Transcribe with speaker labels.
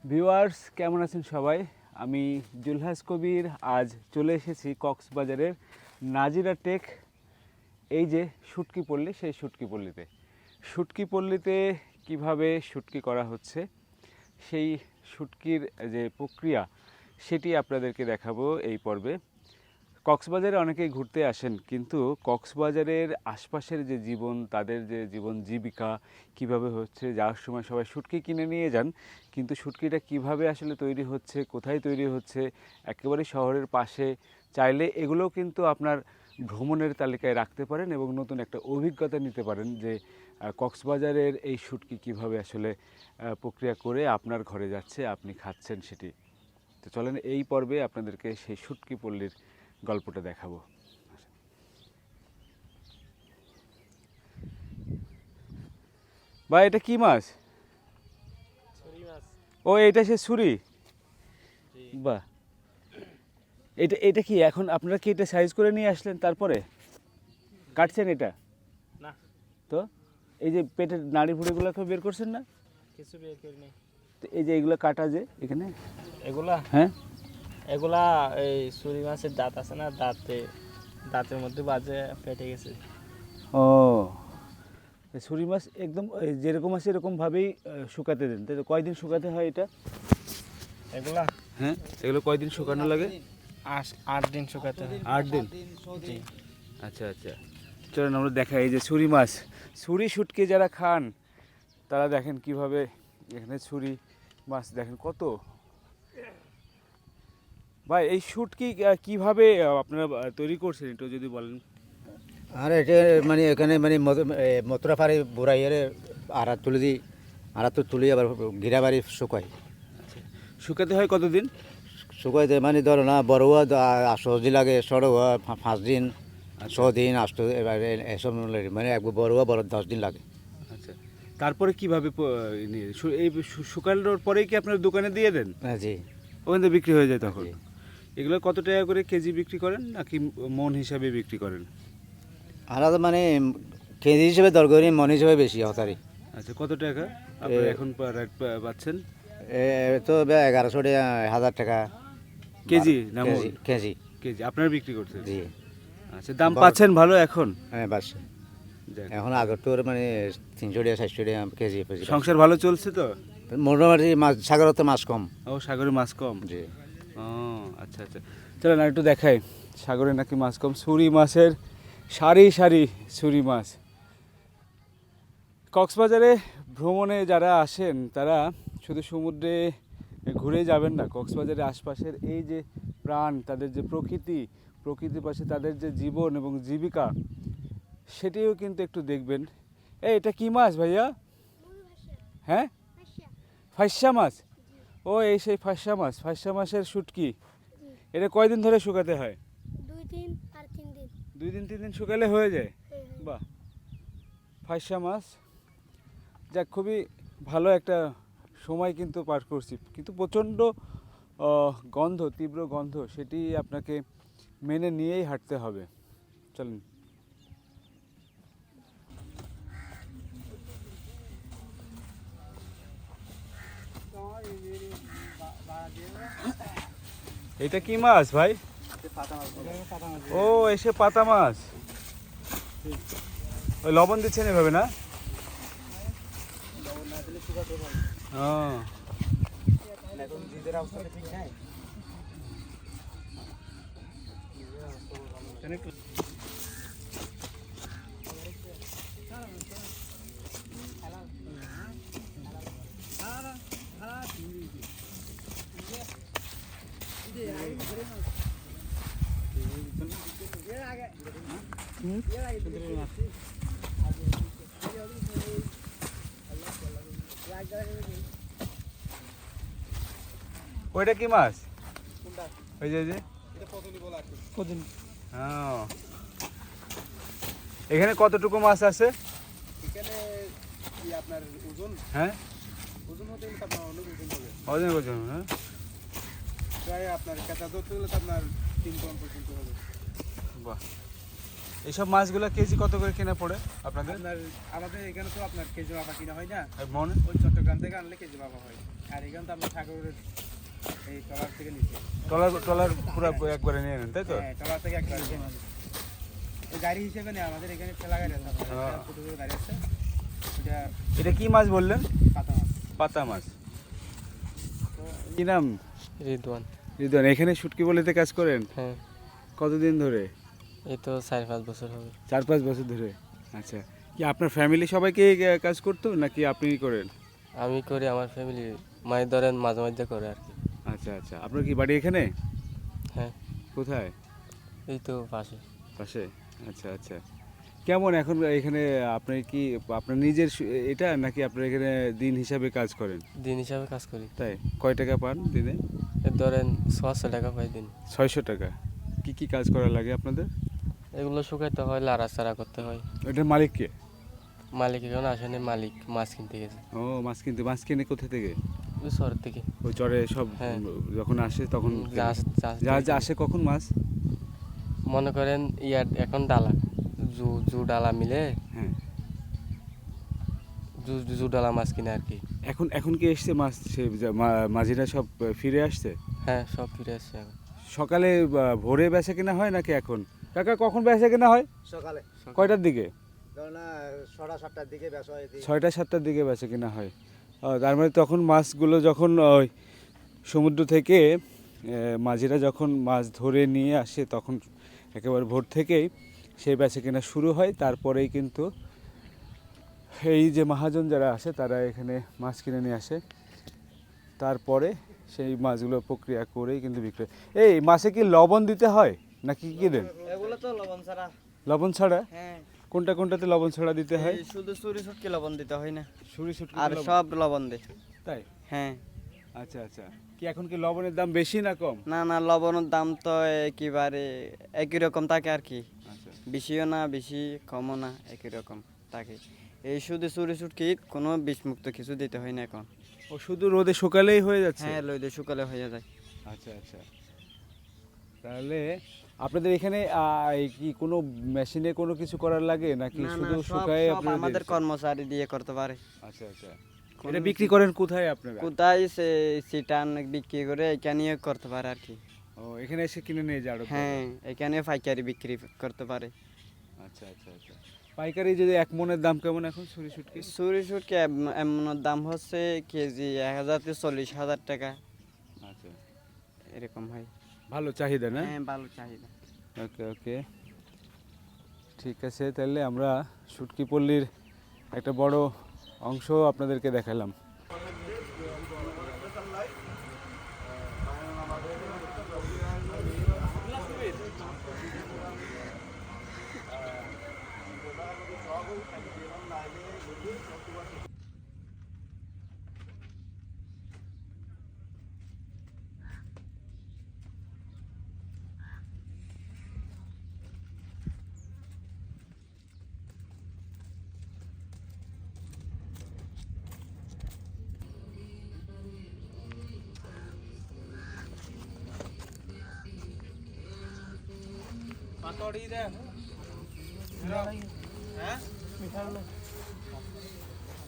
Speaker 1: Viewers কেমন আছেন সবাই? আমি জুলহাস কবির আজ চলে এসেছি কক্সবাজারের নাজিরা টেক এই যে শুটকি পল্লী, সেই শুটকি পল্লীতে। শুটকি পল্লীতে কীভাবে শুটকি করা হচ্ছে সেই শুটকির যে প্রক্রিয়া সেটি আপনাদেরকে দেখাবো এই পর্বে। কক্সবাজারে অনেকেই ঘুরতে আসেন, কিন্তু কক্সবাজারের আশপাশের যে জীবন, তাদের যে জীবন জীবিকা কিভাবে হচ্ছে, যাওয়ার সময় সবাই শুটকি কিনে নিয়ে যান, কিন্তু শুটকিটা কিভাবে আসলে তৈরি হচ্ছে, কোথায় তৈরি হচ্ছে, একেবারে শহরের পাশে, চাইলে এগুলোও কিন্তু আপনার ভ্রমণের তালিকায় রাখতে পারেন এবং নতুন একটা অভিজ্ঞতা নিতে পারেন যে কক্সবাজারের এই শুটকি কিভাবে আসলে প্রক্রিয়া করে আপনার ঘরে যাচ্ছে, আপনি খাচ্ছেন সেটি। তো চলেন এই পর্বে আপনাদেরকে সেই শুটকি পল্লীর গল্পটা দেখাবো। ভাই এটা কি মাছ? ও এটা সে ছুরি। বাহ, এটা এটা কি এখন আপনারা কি এটা সাইজ করে নিয়ে আসলেন তারপরে কাটছেন এটা?
Speaker 2: না
Speaker 1: তো এই যে পেটের নাড়ি ভুড়িগুলো বের করছেন না?
Speaker 2: কিছু বের করিনি।
Speaker 1: তো এই যে এইগুলো কাটা যে এখানে,
Speaker 2: এগুলা
Speaker 1: হ্যাঁ
Speaker 2: এগুলা এই ছুরি মাছের দাঁত আছে না, দাঁতের মধ্যে বাজে পেটে গেছে।
Speaker 1: ও ছুরি মাছ একদম যেরকম আছে এরকমভাবেই শুকাতে দেন, তাই তো? কয়দিন শুকাতে হয় এটা?
Speaker 2: এগুলা
Speaker 1: হ্যাঁ, এগুলো কয়দিন শুকানো লাগে?
Speaker 2: 8 দিন শুকাতে হয়।
Speaker 1: 8 দিন।
Speaker 2: জি।
Speaker 1: আচ্ছা আচ্ছা, চলুন আমরা দেখাই। এই যে ছুরি মাছ, ছুরি শুটকি যারা খান তারা দেখেন কিভাবে এখানে ছুরি মাছ দেখেন কত। ভাই এই শুটকি কিভাবে আপনারা তৈরি করছেন একটু যদি বলেন।
Speaker 3: আর এটা মানে এখানে মানে মথুরা পাড়ি বুড়াইয়ের আড়া তুলে দিই, আড়া তো তুলি আবার ঘিরা বাড়ি শুকাই।
Speaker 1: শুকাতে হয় কতদিন?
Speaker 3: শুকাইতে মানে ধরো না বড় হওয়া 8 দিন লাগে, ছোট হওয়া 5 দিন, 6 দিন, 8 এবার এসব মানে একবার বড় হওয়া 10 দিন লাগে।
Speaker 1: আচ্ছা, তারপরে কিভাবে এই শুকানোর পরেই কি আপনার দোকানে দিয়ে দেন?
Speaker 3: হ্যাঁ জি।
Speaker 1: ওখান থেকে বিক্রি হয়ে যায় তখন?
Speaker 3: জি।
Speaker 1: এগুলো কত টাকা করে কেজি বিক্রি করেন নাকি মন হিসাবে বিক্রি করেন?
Speaker 3: আলাদা মানে কেজি হিসেবে দর করি, মন হিসেবে বেশি হতারি।
Speaker 1: আচ্ছা, কত টাকা আপনারা এখন রেট পাচ্ছেন?
Speaker 3: তো 1100 টাকা, 1000 টাকা
Speaker 1: কেজি না মন?
Speaker 3: কেজি।
Speaker 1: কেজি আপনারা বিক্রি করছেন?
Speaker 3: জি।
Speaker 1: আচ্ছা, দাম পাচ্ছেন ভালো এখন?
Speaker 3: হ্যাঁ বাস।
Speaker 1: যাক,
Speaker 3: এখন আগের তো মানে 300 টাকা 400 টাকা কেজি।
Speaker 1: সংসার ভালো চলছে তো?
Speaker 3: মোটামুটি মাছ, সাগরের তো মাছ কম।
Speaker 1: ও, সাগরে মাছ কম?
Speaker 3: জি।
Speaker 1: ও আচ্ছা আচ্ছা, চলো না একটু দেখাই সাগরে নাকি মাছ কম। ছুরি মাছের সারি সারি ছুরি মাছ। কক্সবাজারে ভ্রমণে যারা আসেন তারা শুধু সমুদ্রে ঘুরে যাবেন না, কক্সবাজারের আশপাশের এই যে প্রাণ, তাদের যে প্রকৃতির পাশে তাদের যে জীবন এবং জীবিকা, সেটিও কিন্তু একটু দেখবেন। এটা কি মাছ ভাইয়া? হ্যাঁ, ফাইসা মাছ। ও এই সেই ফাইসা মাছের শুটকি। এটা কয়দিন ধরে শুকাতে হয়?
Speaker 4: 2 দিন আর 3 দিন।
Speaker 1: 2 দিন 3 দিন শুকালে হয়ে যায়?
Speaker 4: হ্যাঁ, হ্যাঁ।
Speaker 1: বাহ, ফাইসা মাছ। যাক, খুবই ভালো একটা সময় কিন্তু পার করছি, কিন্তু প্রচণ্ড গন্ধ, তীব্র গন্ধ, সেটি আপনাকে মেনে নিয়েই হাঁটতে হবে। চলুন। এটা কি মাছ ভাই? ও এসে পাতা মাছ। ওই লবণ দিচ্ছেন এভাবে না? ও ওইটা কি মাছ? ওই যে এখানে কতটুকু মাছ আছে?
Speaker 5: এখানে কি আপনার ওজন
Speaker 1: হ্যাঁ,
Speaker 5: ওজন হতে গেলে আপনার অনেক ওজন হবে,
Speaker 1: ওজন ওজন, হ্যাঁ
Speaker 5: প্রায় আপনার কাঁচা ধরতে গেলে তো আপনার 3 টন পর্যন্ত হবে।
Speaker 1: বাহ, এইসব মাছগুলো কেজি কত করে কিনা পড়ে আপনাদের?
Speaker 5: আপনার আমাদের এখানে তো আপনার কেজি মাপা কিনা হয় না,
Speaker 1: মনে
Speaker 5: ওই চট্টগ্রাম থেকে আনলে কেজি মাপা হয়। আর এখানে তো আপনার সাগরের এই ট্রলার থেকে নিচে
Speaker 1: ট্রলার পুরো একবারে নিয়ে নেন তাই তো?
Speaker 5: হ্যাঁ ট্রলার থেকে একবার ওই গাড়ি হিসেবে নেই আমাদের এখানে ঠেলা গাড়ি আছে আপনার
Speaker 1: হ্যাঁ।
Speaker 5: ছোটো ছোটো গাড়ি আছে ওটা
Speaker 1: এটা কি মাছ বললেন?
Speaker 5: পাতা মাছ।
Speaker 1: পাতা মাছ। কি নাম?
Speaker 2: রিদওয়ান।
Speaker 1: রিদওয়ান, এখানে শুটকি বলিতে কাজ করেন
Speaker 2: হ্যাঁ,
Speaker 1: কতদিন ধরে?
Speaker 2: এই তো 4-5 বছর হবে।
Speaker 1: 4-5 বছর ধরে। আচ্ছা, কি আপনার ফ্যামিলি সবাইকে কাজ করতো নাকি আপনি করেন?
Speaker 2: আমি করি, আমার ফ্যামিলি মাছ ধরেন মাঝে মাঝে করে আর কি।
Speaker 1: আচ্ছা আচ্ছা, আপনার কি বাড়ি এখানে?
Speaker 2: হ্যাঁ,
Speaker 1: কোথায়?
Speaker 2: এই তো পাশে।
Speaker 1: পাশে। আচ্ছা আচ্ছা, কেমন এখন এখানে আপনার কি আপনার নিজের এটা নাকি আপনার এখানে দিন হিসাবে কাজ করেন?
Speaker 2: দিন হিসাবে কাজ করি।
Speaker 1: তাই কয় টাকা পান দিনে?
Speaker 2: এই ধরেন 600 টাকা পাই দিন।
Speaker 1: 600 টাকা। কি কি কাজ করা লাগে আপনাদের?
Speaker 2: এগুলো শুকাইতে হয়, লাড়াচাড়া করতে হয়।
Speaker 1: এটার মালিক কে?
Speaker 2: মালিক এখন আসেনি, মালিক মাছ কিনতে গেছে
Speaker 1: ও মাছ কিনতে। মাছ কিনে কোথা থেকে?
Speaker 2: ওই শহর থেকে।
Speaker 1: ওই চরে সব
Speaker 2: হ্যাঁ।
Speaker 1: যখন আসে তখন
Speaker 2: জাহাজ জাহাজ
Speaker 1: জাহাজ
Speaker 2: থেকে।
Speaker 1: আসে কখন মাছ?
Speaker 2: মনে করেন ইয়ার এখন ডালা জু ডালা মিলে
Speaker 1: হ্যাঁ,
Speaker 2: জু ডালা মাছ কিনে আর কি।
Speaker 1: এখন এখন কি এসছে মাছ? সে মাঝিরা সব ফিরে আসছে?
Speaker 2: হ্যাঁ, সব ফিরে আসছে এখন।
Speaker 1: সকালে ভোরে বেচা কেনা হয় নাকি এখন? কাকা কখন বেচা কেনা হয়?
Speaker 3: সকালে
Speaker 1: কয়টার দিকে?
Speaker 3: ধরুন 6টা-7টার দিকে বেচা হয়।
Speaker 1: 6টা-7টার দিকে বেচা কেনা হয়। তার মানে তখন মাছগুলো যখন ওই সমুদ্র থেকে মাঝিরা যখন মাছ ধরে নিয়ে আসে তখন একেবারে ভোর থেকেই সেই বেচা কেনা শুরু হয়। তারপরেই কিন্তু এই যে মহাজন যারা আসে তারা এখানে মাছ কিনে নিয়ে আসে, তারপরে সেই মাছগুলো প্রক্রিয়া করেই কিন্তু বিক্রি হয়। এই মাছে কি লবণ দিতে হয় নাকি কি দেন?
Speaker 6: এগুলো তো লবণ ছাড়া।
Speaker 1: লবণ ছাড়া?
Speaker 6: হ্যাঁ,
Speaker 1: কোনটা কোনটাতে লবণ ছাড়া দিতে হয়?
Speaker 6: এই শুধু চুরি শুটকি লবণ দিতে হয় না,
Speaker 1: সুরি শুটকি
Speaker 6: আর সব লবণ দেয়।
Speaker 1: তাই?
Speaker 6: হ্যাঁ,
Speaker 1: আচ্ছা আচ্ছা, কি এখন কি লবণের দাম বেশি না কম?
Speaker 6: না না, লবণের দাম তো একেবারে একই রকম থাকে আর কি,
Speaker 1: আচ্ছা
Speaker 6: বেশিও না বেশি কমও না, একই রকম থাকে। এই শুধু চুরি শুটকি কোনো বিষমুক্ত কিছু দিতে হয় না এখন।
Speaker 1: ও শুধু রোদে শুকালেই হয়ে যাচ্ছে?
Speaker 6: হ্যাঁ, লইলে শুকালে হয়ে যায়।
Speaker 1: আচ্ছা আচ্ছা, তাহলে আপনাদের এখানে কি কোনো মেশিনে কোনো কিছু করার লাগে নাকি
Speaker 6: না না,
Speaker 1: শুধু
Speaker 6: সব
Speaker 1: শুকায়
Speaker 6: সব
Speaker 1: আপনারা
Speaker 6: আমাদের
Speaker 1: দিয়েছেন?
Speaker 6: কর্মচারী দিয়ে করতে পারে।
Speaker 1: আচ্ছা আচ্ছা, এটা বিক্রি করেন কোথায় আপনারা?
Speaker 6: কোথায় সে সিটান বিক্রি করে এখানে করতে পারে আর কি।
Speaker 1: ও এখানে এসে কিনে নিয়ে যাও?
Speaker 6: হ্যাঁ, এখানে পাইকারি বিক্রি করতে পারে।
Speaker 1: আচ্ছা আচ্ছা আচ্ছা, পাইকারি যদি এক মনের দাম কেমন এখন সুরি শুটকি?
Speaker 6: চুরি শুটকি এমন দাম হচ্ছে কেজি 1000 থেকে 40,000 টাকা
Speaker 1: আচ্ছা,
Speaker 6: এরকম হয়।
Speaker 1: ভালো চাহিদা না?
Speaker 6: হ্যাঁ, ভালো চাহিদা।
Speaker 1: ওকে ওকে, ঠিক আছে, তাহলে আমরা শুটকি পল্লীর একটা বড় অংশ আপনাদেরকে দেখালাম।
Speaker 5: পাতড়ি দে হ্যাঁ মিঠাই